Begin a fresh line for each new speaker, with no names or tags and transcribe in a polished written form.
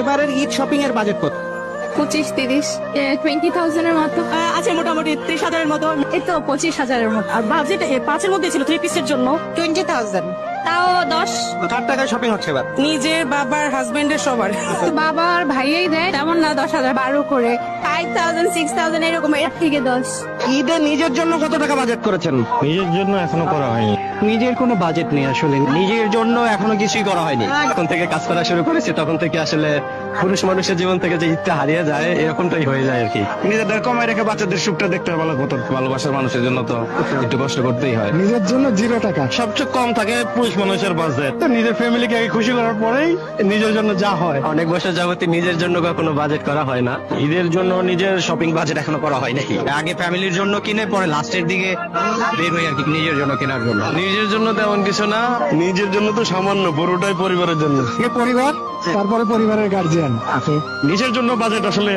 এবারের ঈদ শপিং এর বাজেট কত?
25-30 20,000 এর মতো।
আছে মোটামুটি 30,000-এর মতো।
এই তো 25,000 এর মতো।
আর বাজেট 5-এর মধ্যে ছিল 3 পিসের জন্য।
20,000 তাও 10।
কার টাকায় শপিং হচ্ছে এবার?
নিজের, বাবার, হাজবেন্ডের, সবার।
বাবা আর ভাইয়াই দেয়, তেমন না 10,000 12 করে 5,000 6,000 এরকম, এর থেকে 10।
ঈদে নিজের জন্য কত টাকা বাজেট করেছেন?
নিজের জন্য এখনো করা হয়নি।
নিজের কোনো বাজেট নেই আসলে, নিজের জন্য এখনো কিছুই করা হয়নি।
যখন থেকে কাজ করা শুরু করেছি তখন থেকে আসলে পুরুষ মানুষের জীবন থেকে যে ঈদটা হারিয়ে যায় এরকমটাই হয়ে যায় আর কি।
নিজেদের কমায় রেখে বাচ্চাদের সুখটা দেখতে ভালো হতো। ভালোবাসার মানুষের জন্য তো একটু কষ্ট করতেই হয়।
নিজের জন্য 0 টাকা।
সবচেয়ে কম থাকে পুরুষ মানুষের বাজেট। তো নিজের ফ্যামিলিকে আগে খুশি করার পরেই নিজের জন্য যা হয়।
অনেক বছর যাবতী নিজের জন্য কখনো বাজেট করা হয় না।
ঈদের জন্য নিজের শপিং বাজেট এখনো করা হয় নাকি? আগে ফ্যামিলির জন্য কিনে পরে লাস্টের দিকে বের হই আর কি নিজের জন্য কেনার জন্য।
নিজের জন্য তেমন কিছু না, নিজের জন্য তো সামান্য, পুরোটাই পরিবারের জন্য।
পরিবার, তারপরে পরিবারের গার্জিয়ান।
নিজের জন্য বাজেট আসলে